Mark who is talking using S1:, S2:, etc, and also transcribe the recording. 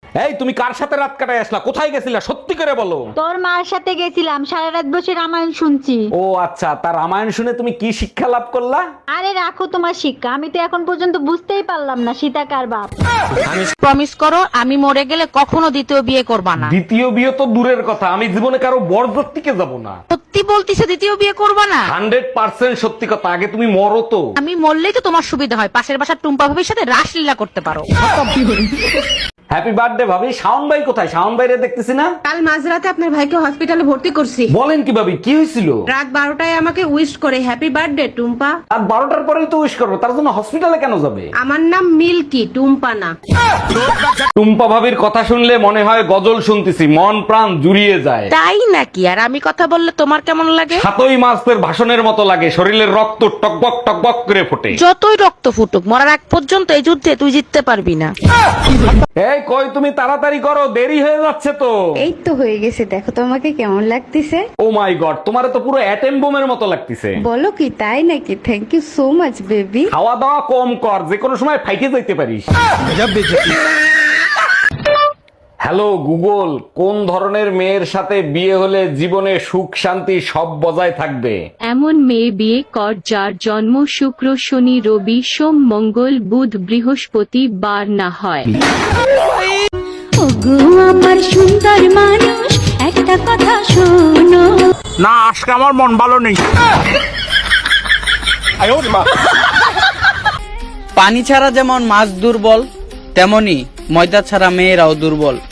S1: এই তুমি কার সাথে রাত কাটায় আসলা, কোথায় গেছিলা, সত্যি করে বলো।
S2: তোর মার সাথে গেছিলাম, সারা রাত বসে রামায়ণ শুনছি।
S1: ও আচ্ছা, তার রামায়ণ শুনে তুমি কি শিক্ষা লাভ করলা?
S2: আরে রাখো তোমার শিক্ষা, আমি তো এখন পর্যন্ত বুঝতেই পারলাম না সীতা কার বাপ।
S3: প্রমিস করো আমি মরে গেলে কখনো দ্বিতীয় বিয়ে করবা না।
S1: দ্বিতীয় বিয়ে তো দূরের কথা, আমি জীবনে কারো বরযাত্রীকে যাব না।
S3: সত্যি বলতিছে দ্বিতীয় বিয়ে করবা না?
S1: 100% সত্যি কথা, আগে তুমি মরো তো।
S3: আমি মরলেই তো তোমার সুবিধা হয়, পাশের বাসার টুম্পা ভাবির সাথে রাসলীলা করতে পারো।
S1: হ্যাপি বার্থডে ভাবি। শাওন ভাই কোথায়? শাওন ভাইরে দেখতেছি না।
S4: কাল মাঝরাতে আপনার ভাইকে হসপিটালে ভর্তি করছি।
S1: বলেন কি ভাবি, কি হয়েছিল?
S4: রাত 12টায় আমাকে উইশ করে হ্যাপি বার্থডে টুম্পা।
S1: আর 12টার পরেই তো উইশ করবো, তার জন্য হসপিটালে কেন যাবে?
S4: আমার নাম মিল্কি, টুম্পা না।
S1: টুম্পা ভাবির কথা শুনলে মনে হয় গজল শুনতেছি, মন প্রাণ জুড়িয়ে যায়।
S3: তাই নাকি? আর আমি কথা বললে তোমার কেমন লাগে?
S1: সাতই মাসের ভাষণের মতো লাগে, শরীরের রক্ত টকবক টকবক করে ফোটে।
S3: যতই রক্ত ফুটুক, মরার আগ পর্যন্ত এই যুদ্ধে তুই জিততে পারবি না।
S1: এই কই তুমি, তাড়াতাড়ি করো, দেরি হয়ে যাচ্ছে তো।
S2: এই তো হয়ে গেছে, দেখো তোমাকে কেমন লাগতেছে।
S1: ও মাই গড, তোমারে তো পুরো অ্যাটম বোমের মতো লাগতেছে।
S2: বলো কি, তাই নাকি? Thank you so much baby.
S1: খাওয়া দাওয়া কম কর, যে কোনো সময় ফাইটে যাইতে পারিস। হ্যালো গুগল, কোন ধরনের মেয়ের সাথে বিয়ে হলে জীবনে সুখ শান্তি সব বজায় থাকবে?
S5: এমন মেয়ে বিয়ে কর যার জন্ম শুক্র শনি রবি সোম মঙ্গল বুধ বৃহস্পতি বার না হয়।
S6: ওগো আমার সুন্দর মানুষ, একটা কথা শোনো।
S7: না, আজকে আমার মন ভালো নেই।
S8: পানি ছাড়া যেমন মাছ দুর্বল, তেমনি ময়দা ছাড়া মেয়েরাও দুর্বল।